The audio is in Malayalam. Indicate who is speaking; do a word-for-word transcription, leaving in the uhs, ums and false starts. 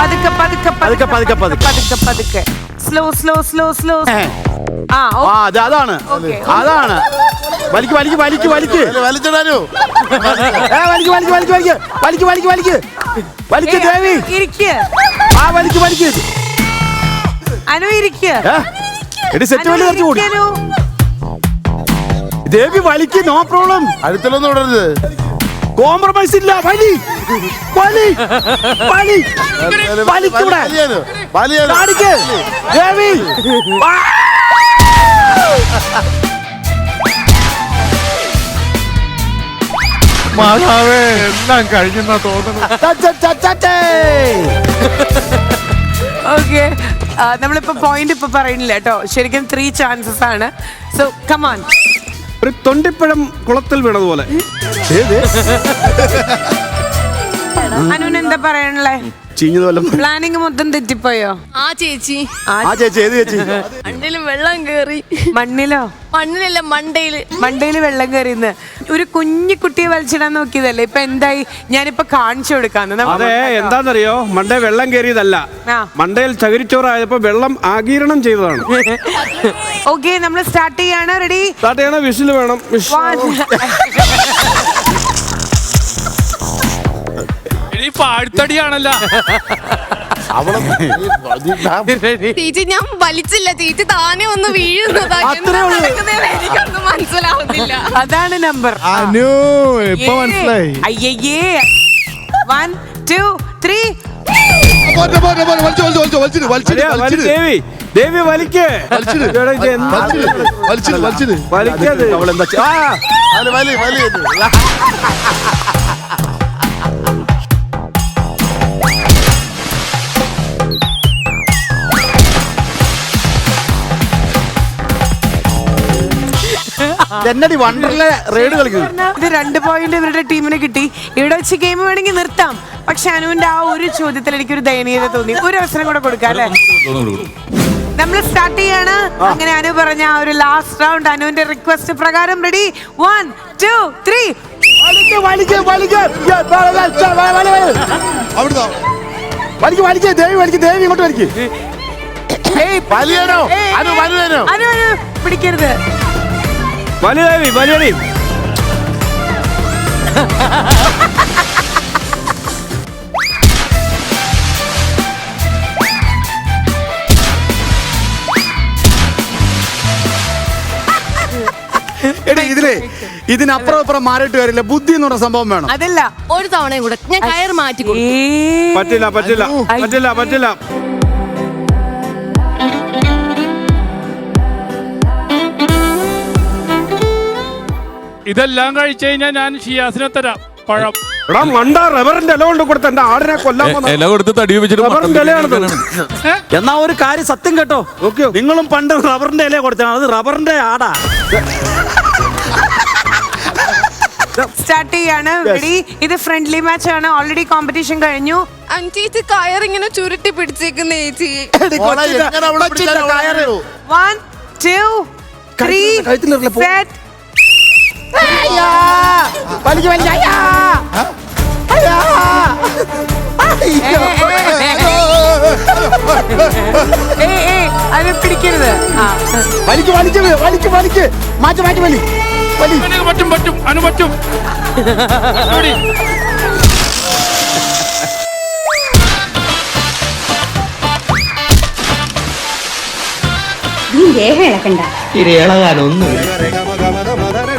Speaker 1: പതുക്കെ പതുക്കെ
Speaker 2: പതുക്കെ പതുക്കെ പതുക്കെ
Speaker 1: പതുക്കെ പതുക്കെ സ്ലോ സ്ലോ സ്ലോ സ്ലോ ആ
Speaker 2: അത് അതാണ് അതാണ് വലിക്ക് വലിക്ക് വലിക്ക് വലിക്ക്
Speaker 3: വലിച്ചിടാനോ
Speaker 2: വലിക്ക് വലിക്ക് വലിക്ക് വലിക്ക് വലിക്ക് വലിക്ക് വലിക്ക് വലിക്ക് ദേവി
Speaker 1: ഇരിക്കുക
Speaker 2: ആ വലിക്ക് വലിക്ക്
Speaker 1: അനു ഇരിക്കുക
Speaker 2: എടി സെറ്റ് വലി കുറച്ച് കൂടി ദേവി വലിക്ക് നോ പ്രോബ്ലം
Speaker 3: അടുത്തൊന്നും വിടരുത്
Speaker 2: കോംപ്രമൈസ് ഇല്ല വലി വലി വലി വലിക്കൂടെ കാണിക്ക് ദേവി
Speaker 3: മാതാവേ എല്ലാം കഴിഞ്ഞെന്നാ തോന്നുന്നു.
Speaker 1: ഓക്കെ നമ്മളിപ്പോ പോയിന്റ് ഇപ്പൊ പറയുന്നില്ല കേട്ടോ ശരിക്കും ത്രീ ചാൻസസ് ആണ് സോ കമാൻ
Speaker 4: ഒരു തൊണ്ടിപ്പഴം കുളത്തിൽ വീണതുപോലെ
Speaker 1: അനുവിന് എന്താ പറയാനുള്ളേ
Speaker 2: ചീഞ്ഞതുപോലെ
Speaker 1: പ്ലാനിങ് മൊത്തം തെറ്റിപ്പോയോ
Speaker 5: ആ ചേച്ചി
Speaker 2: ആ ചേച്ചി ഏത് ചേച്ചി
Speaker 5: മണ്ണില് വെള്ളം കേറി
Speaker 1: മണ്ണിലോ
Speaker 5: മണ്ണിലല്ല മണ്ടയില്
Speaker 1: മണ്ടയില് വെള്ളം കയറിന്ന് ഒരു കുഞ്ഞു കുട്ടിയെ വലിച്ചിടാൻ നോക്കിയതല്ലേ ഇപ്പൊ എന്തായി ഞാനിപ്പോ കാണിച്ചു കൊടുക്കാന്ന്
Speaker 4: അതെ എന്താന്നറിയോ മണ്ടേ വെള്ളം കയറിയതല്ല
Speaker 1: ആ.
Speaker 4: മണ്ടയിൽ ചകിരിച്ചോറായപ്പോ വെള്ളം ആഗീരണം ചെയ്തതാണ്.
Speaker 1: ഓക്കെ നമ്മൾ സ്റ്റാർട്ട് ചെയ്യാണ് റെഡി
Speaker 4: സ്റ്റാർട്ട് ചെയ്യണ വിസിൽ വേണം
Speaker 6: പാഴ്ത്തടിയാണല്ലോ
Speaker 5: ചേച്ചി ഞാൻ വലിച്ചില്ല ചേച്ചി താനെ ഒന്ന് വീഴുന്നതാ എന്താ നടക്കുന്നതെന്ന് എനിക്കൊന്നും മനസ്സിലാവുന്നില്ല.
Speaker 1: അതാണ് നമ്പർ
Speaker 3: അനു ഇപ്പൊ മനസ്സിലായി.
Speaker 1: അയ്യേ വൺ ടു ത്രീ
Speaker 3: പോട്ടെ, പോട്ടെ, പോട്ടെ. വലിച്ച്, വലിച്ച്, വലിച്ച്, വലിച്ചിട്, വലിച്ചിട്, വലിച്ചിട്.
Speaker 4: ദേവി ദേവി വലിക്ക്
Speaker 3: വലിച്ചിട്.
Speaker 4: എടാ, ഇത് എന്താ?
Speaker 3: വലിച്ചിട്, വലിച്ചിട്, വലിച്ചിട്.
Speaker 4: വലിക്കത്
Speaker 2: അവളെന്താ ചെ- ആ
Speaker 3: വലി, വലി, വലി.
Speaker 2: എന്നടി വണ്ടർലെ റൈഡ് കളിക്കുന്നു.
Speaker 1: ഇത് രണ്ട് പോയിന്റ് ഇവരുടെ ടീമിന് കിട്ടി. ഇവിടെ വെച്ച് ഗെയിം വേണമെങ്കിൽ നിർത്താം. പക്ഷെ അനുവിന്റെ ആ ഒരു ചോദ്യത്തിൽ എനിക്കൊരു ദയനീയത തോന്നി. ഒരു അവസരം കൂടെ കൊടുക്കാം അല്ലെ? നമ്മൾ സ്റ്റാർട്ട് ചെയ്യാണ്. അങ്ങനെ അനു പറഞ്ഞ ആ ഒരു ലാസ്റ്റ് റൗണ്ട് അനുവിന്റെ റിക്വസ്റ്റ് പ്രകാരം റെഡി വൺ ടു ത്രീ
Speaker 2: വലിക്ക് വലിക്ക് വലിക്ക് വലിക്ക് വലിക്ക് ദേവി വലിക്ക് ദേവി ഇങ്ങോട്ട് വലിക്ക്
Speaker 3: വലിയനോ അനു വലിയനോ
Speaker 1: അനു അനു പിടിക്കരുത്.
Speaker 4: വലിയ ദേവി വലിയടി
Speaker 2: എടി ഇതിലേ ഇതിനപ്പുറം ഇപ്പുറം മാറിയിട്ട് വരില്ല. ബുദ്ധി എന്ന് പറഞ്ഞ സംഭവം വേണം.
Speaker 1: അതല്ല
Speaker 5: ഒരു തവണയും കൂടെ ഞാൻ കയറ് മാറ്റി കൊടുക്കും.
Speaker 1: ഏ
Speaker 4: പറ്റില്ല പറ്റില്ല പറ്റില്ല പറ്റില്ല
Speaker 6: ഇതെല്ലാം കഴിച്ചു കഴിഞ്ഞാൽ ഞാൻ ഷിയാസിനെ തരാം പഴം.
Speaker 4: എടാ മണ്ട റബ്ബറിന്റെ ഇല കൊണ്ട് കൊടുത്ത എന്റെ ആടിനെ കൊല്ലാൻ പോകുന്ന
Speaker 7: ഇല കൊടുത്ത് തടി വെച്ചിട്ട്
Speaker 4: റബ്ബറിന്റെ ഇലയാണത്.
Speaker 2: എന്നാ ഒരു കാര്യം സത്യം കേട്ടോ,
Speaker 4: ഓക്കെ
Speaker 2: നിങ്ങളും പണ്ട് റബ്ബറിന്റെ ഇല കൊടുത്താണ്. അത് റബ്ബറിന്റെ ആടാ.
Speaker 1: സ്റ്റാർട്ട് ചെയ്യാണ്. റെഡി ഇത് ഫ്രണ്ട്ലി മാച്ച് ആണ്. ഓൾറെഡി കോമ്പറ്റീഷൻ കഴിഞ്ഞു.
Speaker 5: ചേച്ചി കയറിങ്ങനെ ചുരുട്ടി പിടിച്ചേക്കുന്ന ചേച്ചി.
Speaker 3: എങ്ങനെ അവിടെ പിടിച്ചാലും അവിടെ കയറൂ.
Speaker 1: വൺ ടു ത്രീ സെറ്റ്
Speaker 2: വലിക്ക് വലിക്ക്. അയ്യാ. അയ്യാ.
Speaker 1: അത് പിടിക്കരുത്.
Speaker 2: വലിക്ക് വലിക്ക് വലിക്ക് വലിക്ക് മാറ്റി മാറ്റി വലി വലി.
Speaker 6: പറ്റും പറ്റും അനു പറ്റും.
Speaker 8: നീ ദേഹം ഇളക്കണ്ട.
Speaker 9: ഇളകാനൊന്നുമില്ല.